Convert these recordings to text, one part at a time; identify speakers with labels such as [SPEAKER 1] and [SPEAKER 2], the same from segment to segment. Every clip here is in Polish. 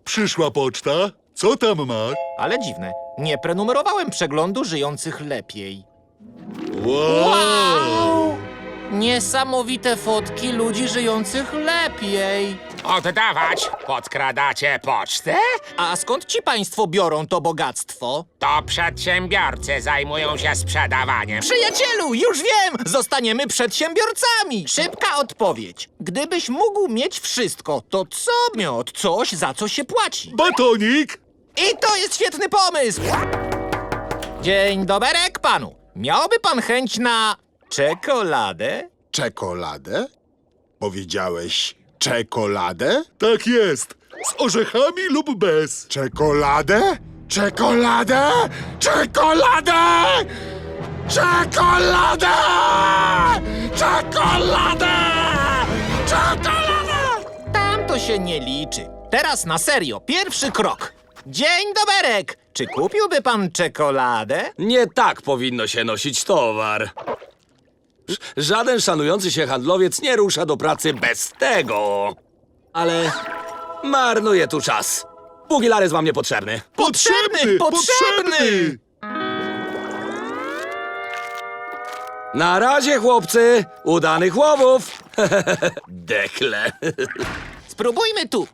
[SPEAKER 1] Przyszła poczta. Co tam masz?
[SPEAKER 2] Ale dziwne, nie prenumerowałem przeglądu żyjących lepiej.
[SPEAKER 1] Wow!
[SPEAKER 2] Niesamowite fotki ludzi żyjących lepiej.
[SPEAKER 3] Oddawać! Podkradacie pocztę?
[SPEAKER 2] A skąd ci państwo biorą to bogactwo?
[SPEAKER 3] To przedsiębiorcy zajmują się sprzedawaniem.
[SPEAKER 2] Przyjacielu, już wiem! Zostaniemy przedsiębiorcami! Szybka odpowiedź. Gdybyś mógł mieć wszystko, to co miot? Coś, za co się płaci.
[SPEAKER 1] Batonik?
[SPEAKER 2] I to jest świetny pomysł! Dzień doberek panu. Miałby pan chęć na czekoladę?
[SPEAKER 4] Czekoladę? Powiedziałeś czekoladę?
[SPEAKER 1] Tak jest. Z orzechami lub bez.
[SPEAKER 4] Czekoladę? Czekoladę? Czekoladę! Czekoladę! Czekoladę! Czekoladę!
[SPEAKER 2] Tam to się nie liczy. Teraz na serio, pierwszy krok. Dzień doberek! Czy kupiłby pan czekoladę?
[SPEAKER 5] Nie tak powinno się nosić towar. Żaden szanujący się handlowiec nie rusza do pracy bez tego. Ale marnuje tu czas. Pugilares wam niepotrzebny.
[SPEAKER 2] Potrzebny!
[SPEAKER 5] Na razie, chłopcy. Udanych łowów. Dekle.
[SPEAKER 2] Spróbujmy tu.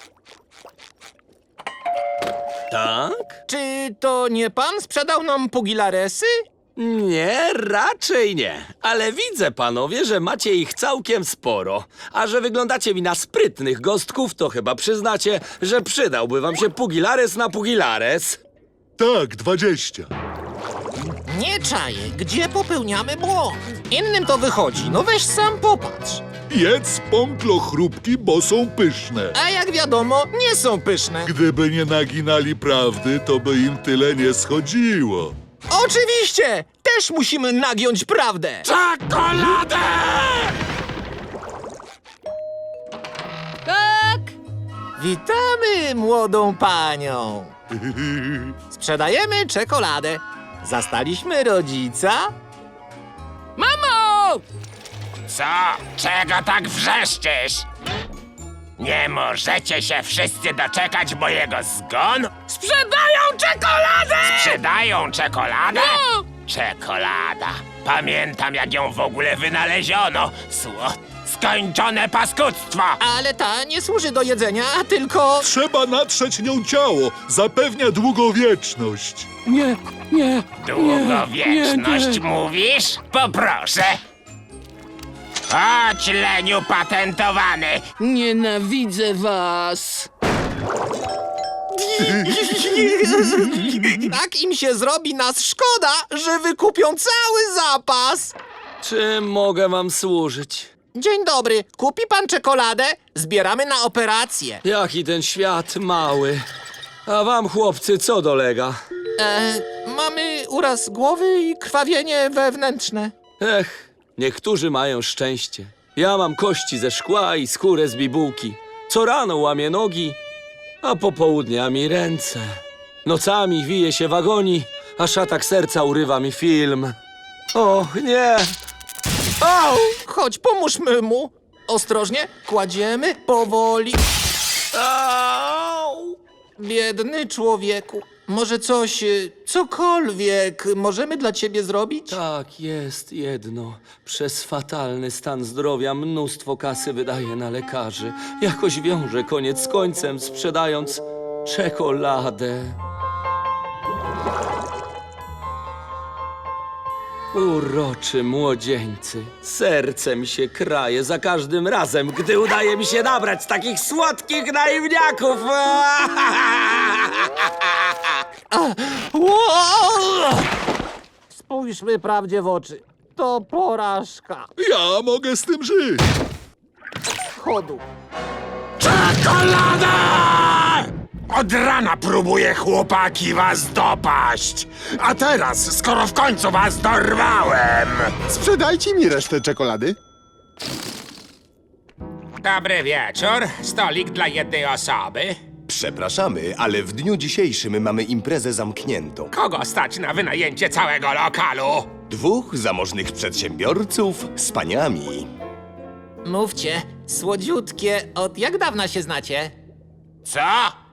[SPEAKER 5] Tak?
[SPEAKER 2] Czy to nie pan sprzedał nam pugilaresy?
[SPEAKER 5] Nie, raczej nie. Ale widzę, panowie, że macie ich całkiem sporo. A że wyglądacie mi na sprytnych gostków, to chyba przyznacie, że przydałby wam się pugilares na pugilares.
[SPEAKER 1] Tak, 20.
[SPEAKER 2] Nie czaję, gdzie popełniamy błąd. Innym to wychodzi, no weź sam popatrz.
[SPEAKER 1] Jedz pąklo chrupki, bo są pyszne.
[SPEAKER 2] A jak wiadomo, nie są pyszne.
[SPEAKER 1] Gdyby nie naginali prawdy, to by im tyle nie schodziło.
[SPEAKER 2] Oczywiście! Też musimy nagiąć prawdę.
[SPEAKER 4] Czekoladę!
[SPEAKER 2] Tak! Witamy młodą panią. Sprzedajemy czekoladę. Zastaliśmy rodzica? Mamo!
[SPEAKER 3] Co? Czego tak wrzeszczysz? Nie możecie się wszyscy doczekać mojego zgonu? Sprzedają czekoladę! Sprzedają czekoladę? No! Czekolada. Pamiętam, jak ją w ogóle wynaleziono. Skończone paskudztwo!
[SPEAKER 2] Ale ta nie służy do jedzenia, tylko...
[SPEAKER 1] Trzeba natrzeć nią ciało. Zapewnia długowieczność.
[SPEAKER 3] Długowieczność mówisz? Poproszę. Chodź, leniu patentowany.
[SPEAKER 6] Nienawidzę was!
[SPEAKER 2] Tak im się zrobi nas szkoda, że wykupią cały zapas.
[SPEAKER 5] Czym mogę wam służyć?
[SPEAKER 2] Dzień dobry, kupi pan czekoladę? Zbieramy na operację.
[SPEAKER 5] Jaki ten świat mały. A wam, chłopcy, co dolega?
[SPEAKER 2] Mamy uraz głowy i krwawienie wewnętrzne.
[SPEAKER 5] Ech, niektórzy mają szczęście. Ja mam kości ze szkła i skórę z bibułki. Co rano łamię nogi, a popołudniami ręce. Nocami wiję się w agonii, aż atak serca urywa mi film. Och, nie! Au!
[SPEAKER 2] Chodź, pomóżmy mu. Ostrożnie, kładziemy powoli.
[SPEAKER 5] Au!
[SPEAKER 2] Biedny człowieku. Może coś, cokolwiek możemy dla ciebie zrobić?
[SPEAKER 5] Tak, jest jedno. Przez fatalny stan zdrowia mnóstwo kasy wydaje na lekarzy. Jakoś wiąże koniec z końcem, sprzedając czekoladę. Uroczy młodzieńcy. Serce mi się kraje za każdym razem, gdy udaje mi się nabrać takich słodkich naiwniaków.
[SPEAKER 2] Spójrzmy prawdzie w oczy. To porażka
[SPEAKER 1] Ja mogę z tym żyć.
[SPEAKER 2] chodu.
[SPEAKER 3] Czekolada! Od rana próbuję, chłopaki, was dopaść. A teraz, skoro w końcu was dorwałem...
[SPEAKER 4] Sprzedajcie mi resztę czekolady.
[SPEAKER 3] Dobry wieczór. Stolik dla jednej osoby.
[SPEAKER 7] Przepraszamy, ale w dniu dzisiejszym mamy imprezę zamkniętą.
[SPEAKER 3] Kogo stać na wynajęcie całego lokalu?
[SPEAKER 7] 2 zamożnych przedsiębiorców z paniami.
[SPEAKER 2] Mówcie, słodziutkie, od jak dawna się znacie?
[SPEAKER 3] Co?